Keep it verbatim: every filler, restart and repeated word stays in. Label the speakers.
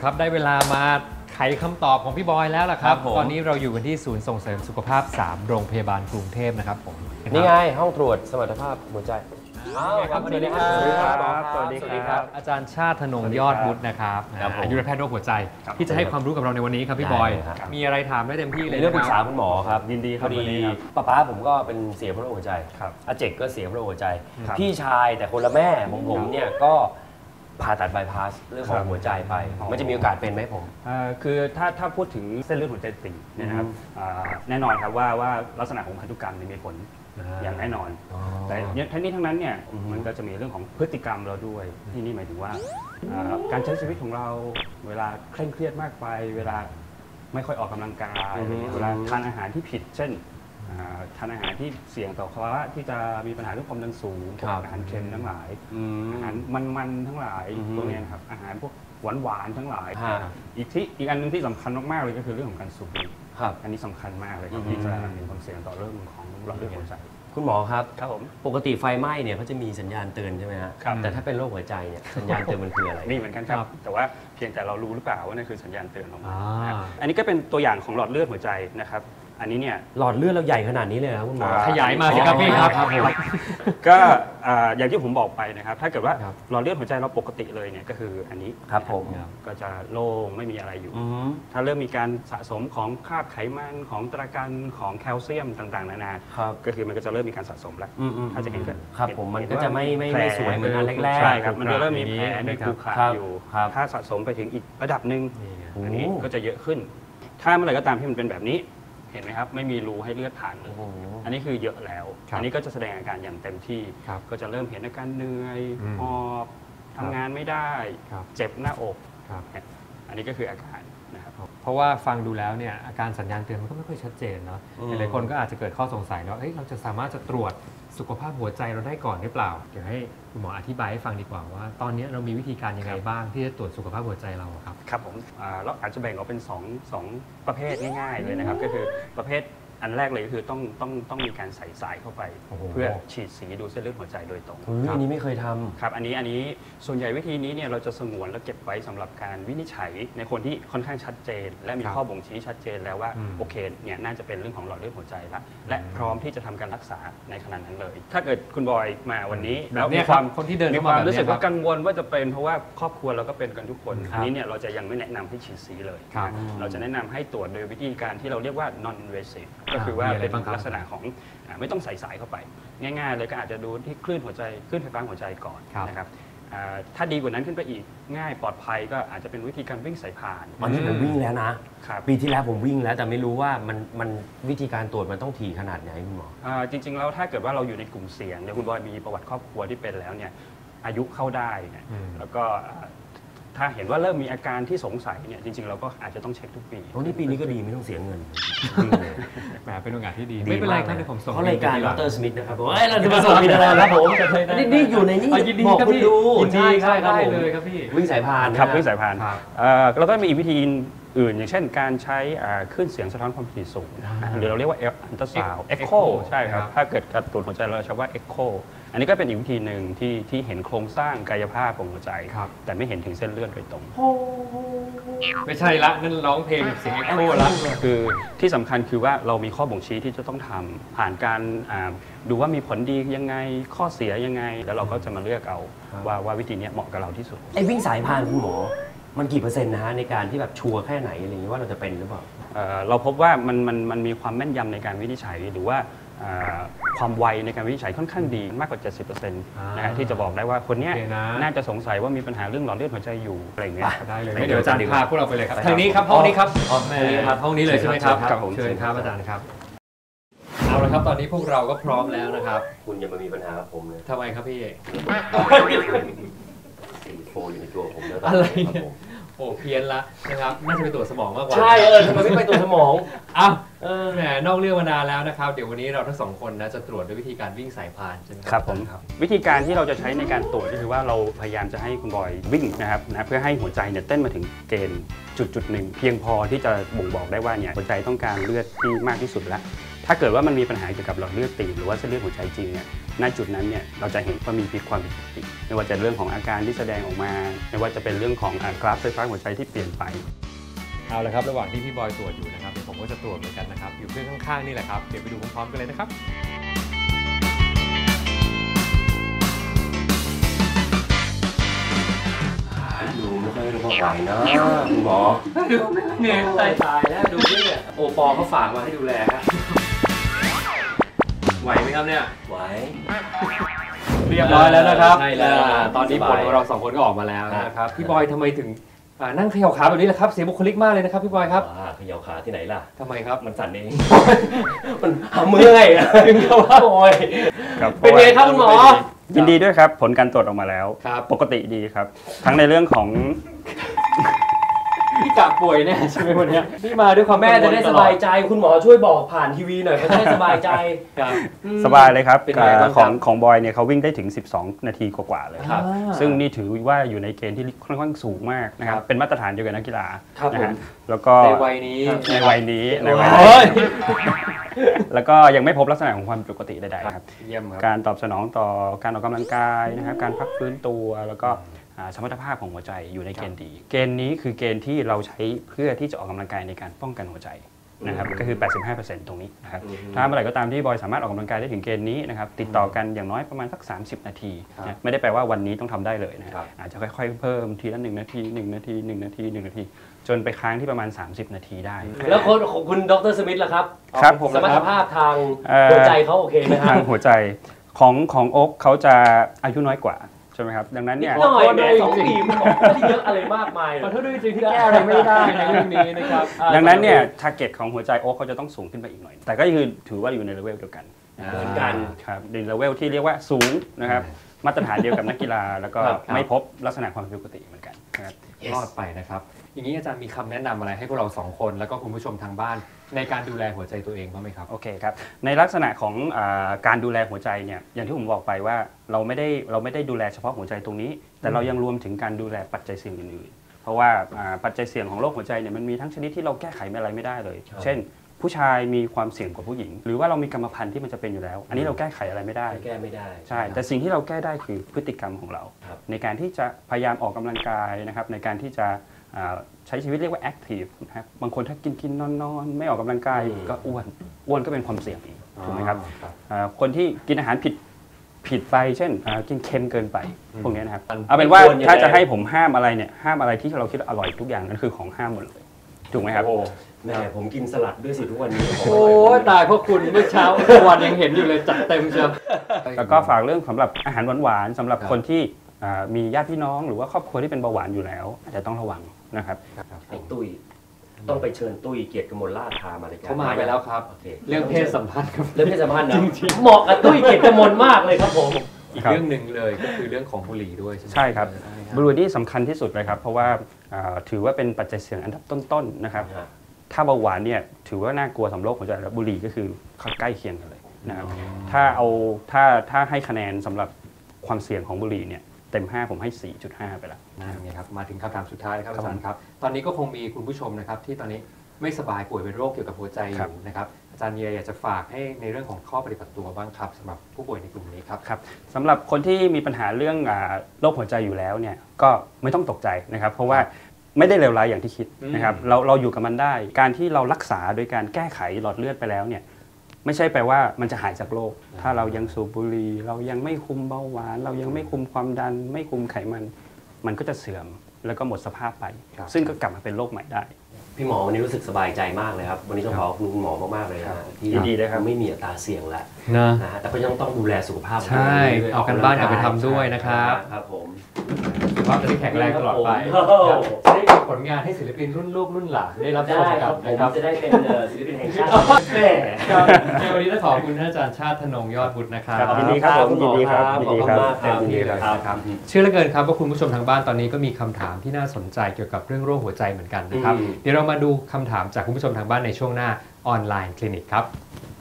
Speaker 1: ครับได้เวลามาไขคำตอบของพี่บอยแล้วล่ะครับตอนนี้เราอยู่กันที่ศูนย์ส่งเสริมสุขภาพสามโรงพยาบาลกรุงเทพนะครับผม
Speaker 2: นี่ไงห้องตรวจสมรรถภาพหัวใจ
Speaker 1: ครับสวัสดีครับ
Speaker 2: สวัสดีครับสวัสดีครับ
Speaker 1: อาจารย์ชาติธนงยอดบุตรนะครับอายุรแพทย์โรคหัวใจที่จะให้ความรู้กับเราในวันนี้ครับพี่บอยมีอะไรถามได้เต็มที่เลย
Speaker 2: เรื่องปรึกษาคุณหมอครับ
Speaker 3: ยินดีครับ
Speaker 2: พอดีป้าป้าผมก็เป็นเสียเพราะโรคหัวใจอาเจกก็เสียเพราะโรคหัวใจพี่ชายแต่คนละแม่ของผมเนี่ยก็ผ่าตัดบายพาสเรื่องของหัวใจไปมันจะมีโอกาสเป็นไหมผม
Speaker 3: คือถ้าถ้าพูดถึงเส้นเลือดหัวใจตีบนะครับแน่นอนครับว่าว่าลักษณะของพันธุกรรมมีผลอย่างแน่นอนแต่ทั้งนี้ทั้งนั้นเนี่ยมันก็จะมีเรื่องของพฤติกรรมเราด้วยที่นี่หมายถึงว่าการใช้ชีวิตของเราเวลาเคร่งเครียดมากไปเวลาไม่ค่อยออกกำลังกายเวลาทานอาหารที่ผิดเช่นทานอาหารที่เสี่ยงต่อภาวะที่จะมีปัญหาเรื่องความดันสูงอาหารเค็มทั้งหลายอาหารมันๆทั้งหลายพวกนี้ครับอาหารพวกหวานๆทั้งหลายอีกที่อีกอันนึงที่สำคัญมากๆเลยก็คือเรื่องของการสูบบุหรี่อันนี้สำคัญมากเลยที่จะมีความเสี่ยงต่อเรื่องของหลอดเลือดหัวใจ
Speaker 2: คุณหมอครับ
Speaker 3: ครับผม
Speaker 2: ปกติไฟไหม้เนี่ยเขาจะมีสัญญาณเตือนใช่ไหมฮะแต่ถ้าเป็นโรคหัวใจเนี่ยสัญญาณเตือนมันคืออะไร
Speaker 3: นี่เหมือนกันครับแต่ว่าเพียงแต่เรารู้หรือเปล่าว่านั่นคือสัญญาณเตือนของมันอันนี้ก็เป็นตัวอย่างของหลอดเลือดหัวใจนะครับอันนี้เนี่ย
Speaker 2: หลอดเลือดเราใหญ่ขนาดนี้เลยครับคุณหมอ
Speaker 1: ขยายมาสิครับพี่ครับ
Speaker 3: ก็อย่างที่ผมบอกไปนะครับถ้าเกิดว่าหลอดเลือดหัวใจเราปกติเลยเนี่ยก็คืออันนี้
Speaker 2: ครับผม
Speaker 3: ก็จะโล่งไม่มีอะไรอยู่ถ้าเริ่มมีการสะสมของคราบไขมันของตะกันของแคลเซียมต่างๆนานาก็คือมันก็จะเริ่มมีการสะสมแล้วถ้าจะเห็นก็
Speaker 2: ครับผมมันก็จะไม่ไม่สวยเหมือนอันแรกๆ
Speaker 3: ใช่ครับมันจะเริ่มมีแผลมีขรุขระอยู่ถ้าสะสมไปถึงอีกระดับหนึ่งอันนี้ก็จะเยอะขึ้นถ้าเมื่อไหร่ก็ตามที่มันเป็นแบบนี้เห็นไหมครับไม่มีรูให้เลือดผ่านเลยอันนี้คือเยอะแล้วอันนี้ก็จะแสดงอาการอย่างเต็มที่ก็จะเริ่มเห็นอาการเหนื่อยหอบทำงานไม่ได้เจ็บหน้าอกอันนี้ก็คืออาการนะครับ
Speaker 1: เพราะว่าฟังดูแล้วเนี่ยอาการสัญญาณเตือนมันก็ไม่ค่อยชัดเจนเนาะหลายคนก็อาจจะเกิดข้อสงสัยว่าเราจะสามารถจะตรวจสุขภาพหัวใจเราได้ก่อนหรือเปล่าเดี๋ยวให้คุณหมออธิบายให้ฟังดีกว่าว่าตอนนี้เรามีวิธีการยังไงบ้างที่จะตรวจสุขภาพหัวใจเราครับ
Speaker 3: ครับผมเราอาจจะแบ่งออกเป็นสอง สองประเภทง่ายๆเลยนะครับก็คือประเภทอันแรกเลยก็คือต้องต้องต้องมีการใส่สายเข้าไปเพื่อฉีดสีดูเส้นเลือดหัวใจโดยตรง
Speaker 2: อันนี้ไม่เคยทำ
Speaker 3: ครับอันนี้อันนี้ส่วนใหญ่วิธีนี้เนี่ยเราจะสงวนและเก็บไว้สำหรับการวินิจฉัยในคนที่ค่อนข้างชัดเจนและมีข้อบ่งชี้ชัดเจนแล้วว่าโอเคเนี่ยน่าจะเป็นเรื่องของหลอดเลือดหัวใจละและพร้อมที่จะทำการรักษาในขณะนั้นเลยถ้าเกิดคุณบอยมาวันนี้
Speaker 1: แล้วมีความคนที่เดิน
Speaker 3: มีความรู้สึกว่ากังวลว่าจะเป็นเพราะว่าครอบครัวเราก็เป็นกันทุกคนอันนี้เนี่ยเราจะยังไม่แนะนำให้ฉีดสีเลยเราจะแนะนำให้ตรวจโดยวิธีการที่เราเรียกว่า non invasive ก็คือว่าเป็นลักษณะของไม่ต้องใส่สายเข้าไปง่ายๆเลยก็อาจจะดูที่คลื่นหัวใจคลื่นไฟฟ้าหัวใจก่อนนะครับถ้าดีกว่านั้นขึ้นไปอีกง่ายปลอดภัยก็อาจจะเป็นวิธีการวิ่งสายพาน
Speaker 2: ตอนนี้ผมวิ่งแล้วนะปีที่แล้วผมวิ่งแล้วแต่ไม่รู้ว่ามันมันวิธีการตรวจมันต้องถี่ขนาดไหนคุณหมอ
Speaker 3: จริงๆแล้วถ้าเกิดว่าเราอยู่ในกลุ่มเสี่ยงเนี่ยคุณบอยมีประวัติครอบครัวที่เป็นแล้วเนี่ยอายุเข้าได้เนี่ยแล้วก็ถ้าเห็นว่าเริ่มมีอาการที่สงสัยเนี่ยจริงๆเราก็อาจจะต้องเช็คทุกปี
Speaker 2: โอ้นี่ปีนี้ก็ดีไม่ต้องเสียเงิน
Speaker 1: แหมเป็นโอกาสที่ดีไม่เป็นไรครับเดี๋ยวผมส่ง
Speaker 2: เขารายการดร.สมิธนะครับผมเฮ้ยเราจะมาส่งมีอะไรครับผมนี่นี่อยู่ในนี่บอกคุณดู
Speaker 1: ใช่ใช่ได้เลยครับพี่
Speaker 2: วิ่งสายพาน
Speaker 3: ครับวิ่งสายพานแล้วก็มีวิธีอื่นอย่างเช่นการใช้คลื่นเสียงสะท้อนความถี่สูงหรือเราเรียกว่าอัลตราซาวด์เอ็กโคใช่ครับถ้าเกิดการตรวจหัวใจเราใช้ว่าเอ็กโคอันนี้ก็เป็นอีกวิธีหนึ่งที่ที่เห็นโครงสร้างกายภาพของหัวใจแต่ไม่เห็นถึงเส้นเลือดโดยตรง
Speaker 1: ไม่ใช่ละนั่นร้องเพลงแบบเสียงเอ็กโคละ
Speaker 3: คือที่สำคัญคือว่าเรามีข้อบ่งชี้ที่จะต้องทำผ่านการดูว่ามีผลดียังไงข้อเสียยังไงแล้วเราก็จะมาเลือกเอาว่าว่าวิธีนี้เหมาะกับเราที่สุด
Speaker 2: ไอ้วิ่งสายพานคุณหมอมันกี่เปอร์เซ็นต์นะฮะในการที่แบบชัวร์แค่ไหนอะไรอย่างนี้ว่าเราจะเป็นหรือเปล่า
Speaker 3: เราพบว่ามันมันมันมีความแม่นยำในการวินิจฉัยหรือว่าความไวในการวินิจฉัยค่อนข้างดีมากกว่า เจ็ดสิบเปอร์เซ็นต์ นะฮะที่จะบอกได้ว่าคนนี้น่าจะสงสัยว่ามีปัญหาเรื่องหลอดเลือดหัวใจอยู่อะไรอย่างเงี้ย
Speaker 1: ได้เลยเดี๋ยวอาจารย์พาพวกเราไปเลยครับทางนี้ครับห้องนี้ครับห้องนี้ครับห้องนี้เลยใช่ไหมครับเชิญครับอาจารย์ครับเอาละครับตอนนี้พวกเราก็พร้อมแล้วนะครับ
Speaker 2: คุณอย่ามามีปัญหากับผมเลย
Speaker 1: ทำไมครับพี่
Speaker 2: สี่โฟอยู่ในตัวผมแล้ว
Speaker 1: อะไรเนี่ยโอ้เพี้ยนละนะครับน่าจะไปตรวจสมองมากกว่า
Speaker 2: ใช่เออทำไมไม่ไปตรวจสมอง
Speaker 1: อ้าวแหมนอกเรื่องมานานแล้วนะครับเดี๋ยววันนี้เราทั้งสองคนนะจะตรวจด้วยวิธีการวิ่งสายพานใช่ไหม
Speaker 3: ครับผมวิธีการที่เราจะใช้ในการตรวจก็คือว่าเราพยายามจะให้คุณบอยวิ่งนะครับนะเพื่อให้หัวใจเนี่ยเต้นมาถึงเกณฑ์จุดจุดหนึ่งเพียงพอที่จะบ่งบอกได้ว่าเนี่ยหัวใจต้องการเลือดที่มากที่สุดแล้วถ้าเกิดว่ามันมีปัญหาเกี่ยวกับหลอดเลือดตีบหรือว่าเส้นเลือดหัวใจจริงเนี่ยณจุดนั้นเนี่ยเราจะเห็นว่ามีพิษความผิดปกติไม่ว่าจะเรื่องของอาการที่แสดงออกมาไม่ว่าจะเป็นเรื่องของกราฟไฟฟ้าหัวใจที่เปลี่ยนไป
Speaker 1: เอาละครับระหว่างที่พี่บอยตรวจอยู่นะครับผมก็จะตรวจเหมือนกันนะครับอยู่เครื่องข้างๆนี่แหละครับเดี๋ยวไปดูพร้อมๆกันเลยนะครับ
Speaker 2: ดูไม่ค่อยรู้ว่าไหวนะคุณหมอดูเหนื่อยตายตายแล้วดูนี่เนี่ยโอปอเขาฝากมาให้ดูแลฮะ
Speaker 1: ไหวไหมครับเนี่ย
Speaker 2: ไหว
Speaker 1: เรียบร้อยแล้วนะครับตอนนี้ผลของเราสองคนก็ออกมาแล้วนะครับพี่บอยทำไมถึงนั่งเขย่าขาแบบนี้แหละครับเสียบุคลิกมากเลยนะครับพี่บอยครับ
Speaker 2: เขย่าขาที่ไหนล่ะ
Speaker 1: ทำไมครับ
Speaker 2: มันสั่นเองมันทำมือไงถึงกับว่าโอยเป็นไงครับคุณหมอ
Speaker 3: ยินดีด้วยครับผลการตรวจออกมาแล้วปกติดีครับทั้งในเรื่องของ
Speaker 1: พี่กะป่วยแน่ใช่ไหมวันนี้พี่มาด้วยความ
Speaker 2: แม่จะได้สบายใจคุณหมอช่วยบอกผ่านทีวีหน่อยเขาจะได้สบายใจ
Speaker 3: สบายเลยครับของของบอยเนี่ยเขาวิ่งได้ถึงสิบสองนาทีกว่าๆเลยซึ่งนี่ถือว่าอยู่ในเกณฑ์ที่ค่อนข้างสูงมากนะครับเป็นมาตรฐานเดียวกับนักกีฬานะฮะแล้วก็
Speaker 1: ในวัยนี้
Speaker 3: ในวัยนี้ในวัยนี้แล้วก็ยังไม่พบลักษณะของความปกติใดๆครับการตอบสนองต่อการออกกำลังกายนะครับการพักฟื้นตัวแล้วก็สมรรถภาพของหัวใจอยู่ในเกณฑ์ดีเกณฑ์นี้คือเกณฑ์ที่เราใช้เพื่อที่จะออกกำลังกายในการป้องกันหัวใจนะครับก็คือ แปดสิบห้าเปอร์เซ็นต์ ตรงนี้นะครับถ้าเมื่อไหร่ก็ตามที่บอยสามารถออกกำลังกายได้ถึงเกณฑ์นี้นะครับติดต่อกันอย่างน้อยประมาณสักสามสิบนาทีนะไม่ได้แปลว่าวันนี้ต้องทำได้เลยนะครับอาจจะค่อยๆเพิ่มทีละหนึ่งนาทีหนึ่งนาทีหนึ่งนาทีหนึ่งนาทีจนไปค้างที่ประมาณสามสิบนาทีได้
Speaker 2: แล้วคนของคุณดร.สมิธล่ะครับ
Speaker 3: ครับ
Speaker 2: สมรรถภาพทางหัวใจเขาโอเคไหมครับ
Speaker 3: ทางหัวใจของของโอ๊คเขาจะอายุน้อยกว่าใช่ไหมครับดังนั้นเนี่ย
Speaker 2: น้อยแม่สองปีมันบอกไม่ได้เยอะอะไรมากมาย
Speaker 1: ขอโทษด้วยจริงที่แก้อะไรไม่ได้ในเรื่องนี้นะครับ
Speaker 3: ดังนั้นเนี่ยทาร์เก็ตของหัวใจโอ๊คเขาจะต้องสูงขึ้นไปอีกหน่อยแต่ก็คือถือว่าอยู่ในเลเวลเดียวกัน
Speaker 2: เหมือนกัน
Speaker 3: ครับในเลเวลที่เรียกว่าสูงนะครับมาตรฐานเดียวกับนักกีฬาแล้วก็ไม่พบลักษณะความผิดปกติเหมือนกันนะครับ
Speaker 1: รอดไปนะครับอย่างนี้อาจารย์มีคำแนะนำอะไรให้พวกเราสองคนแล้วก็คุณผู้ชมทางบ้านในการดูแลหัวใจตัวเองบ้างไหมครับ
Speaker 3: โอเคครับในลักษณะของการดูแลหัวใจเนี่ยอย่างที่ผมบอกไปว่าเราไม่ได้เราไม่ได้ดูแลเฉพาะหัวใจตรงนี้แต่เรายังรวมถึงการดูแลปัจจัยเสี่ยงอื่นๆเพราะว่าปัจจัยเสี่ยงของโรคหัวใจเนี่ยมันมีทั้งชนิดที่เราแก้ไขอะไรไม่ได้เลยเช่นผู้ชายมีความเสี่ยงกว่าผู้หญิงหรือว่าเรามีกรรมพันธุ์ที่มันจะเป็นอยู่แล้วอันนี้เราแก้ไขอะไรไม่ได้
Speaker 2: แก้ไม่ได้
Speaker 3: ใช่แต่สิ่งที่เราแก้ได้คือพฤติกรรมของเราในการที่จะพยายามออกกำลังกายนะครับในการที่จะใช้ชีวิตเรียกว่าแอคทีฟนะครับบางคนถ้ากินกินนอนนอนไม่ออกกำลังกายก็อ้วนอ้วนก็เป็นความเสี่ยงอีกถูกไหมครับคนที่กินอาหารผิดผิดไปเช่นกินเค็มเกินไปพวกนี้นะครับเอาเป็นว่าถ้าจะให้ผมห้ามอะไรเนี่ยห้ามอะไรที่เราคิดว่าอร่อยทุกอย่างนั่นคือของห้ามหมดเลยถูกไหมครับ
Speaker 2: แม่ผมกินสลัดด้วยสิทุกวันนี้
Speaker 1: โอ้ตายเพราะคุณเมื่อเช้าวันยังเห็นอยู่เลยจัดเต็มเชียว
Speaker 3: แล้วก็ฝากเรื่องสำหรับอาหารหวานๆสำหรับคนที่มีญาติพี่น้องหรือว่าครอบครัวที่เป็นเบาหวานอยู่แล้วอาจจะต้องระวังนะครับ
Speaker 2: ไอ้ตุ้ยต้องไปเชิญตุ้ยเกียรติกมลราชพามารายการ
Speaker 1: เขามาไปแล้วครับเรื่องเพศสัมพันธ์ครับ
Speaker 2: เรื่องเพศสัมพันธ์นะเหมาะกับตุ้ยเกียรติกมลมากเลยครับผม
Speaker 1: อีกเรื่องหนึ่งเลยก็คือเรื่องของบุหรี่ด้วยใช่ไหม
Speaker 3: ใช่ครับบุหรี่นี่สำคัญที่สุดเลยครับเพราะว่าถือว่าเป็นปัจจัยเสี่ยงอันดับต้นๆนะครับถ้าเบาหวานเนี่ยถือว่าน่ากลัวสำหรับโรคหัวใจแล้วบุหรี่ก็คือใกล้เคียงกันเลยนะครับถ้าเอาถ้าถ้าให้คะแนนสำหรับความเสี่ยงของบุหรี่เนี่ยเต็มห้าผมให้ สี่จุดห้า ไปแล้ว
Speaker 1: นี่ครับมาถึงคำถามสุดท้ายครับอาจารย์ครับตอนนี้ก็คงมีคุณผู้ชมนะครับที่ตอนนี้ไม่สบายป่วยเป็นโรคเกี่ยวกับหัวใจอยู่นะครับอาจารย์มีอะไรอยากจะฝากให้ในเรื่องของข้อปฏิบัติตัวบ้างครับสำหรับผู้ป่วยในกลุ่มนี้ครับ
Speaker 3: ครับสำหรับคนที่มีปัญหาเรื่องโรคหัวใจอยู่แล้วเนี่ยก็ไม่ต้องตกใจนะครับเพราะว่าไม่ได้เลวร้ายอย่างที่คิดนะครับเราเราอยู่กับมันได้การที่เรารักษาโดยการแก้ไขหลอดเลือดไปแล้วเนี่ยไม่ใช่แปลว่ามันจะหายจากโรคถ้าเรายังสูบบุหรี่เรายังไม่คุมเบาหวานเรายังไม่คุมความดันไม่คุมไขมันมันก็จะเสื่อมแล้วก็หมดสภาพไปซึ่งก็กลับมาเป็นโรคใหม่ได้
Speaker 2: พี่หมอวันนี้รู้สึกสบายใจมากเลยครับวันนี้ต้องขอบคุณหมอมากๆเลยนะที่
Speaker 3: ดีเลยครับ
Speaker 2: ไม่มีอัตราเสี่ยงแล้ว
Speaker 1: นะ
Speaker 2: ฮะแต่ก็ยังต้องดูแลสุขภาพ
Speaker 1: ใช่เอากันบ้านกลับไปทำด้วยนะครับ
Speaker 2: ครับผม
Speaker 1: สุขภาพจะได้แข็งแรงตลอดไปจะได้ผลงานให้ศิลปินรุ่นลูกรุ่นหลานได้รับชมกันนะครับ
Speaker 2: จะได้เป็นศิลปินแห่งชาติ
Speaker 1: แม่ในวันนี้ต้องขอบคุณท่านอาจารย์ชาติธนงยอดบุตรนะครับ
Speaker 3: ยินดีครับผมยินดีครับยินดีครับ
Speaker 2: ยินดีครับ
Speaker 1: เชื่อเหลือเกินครับว่าคุณผู้ชมทางบ้านตอนนี้ก็มีคำถามที่น่าสนใจเกี่ยวกับเรื่องโรคหัวใจเหมือนกันนะครับเดี๋ยวเรามาดูคำถามจากคุณผู้ชมทางบ้านในช่วงหน้าออนไลน์คลินิกครับ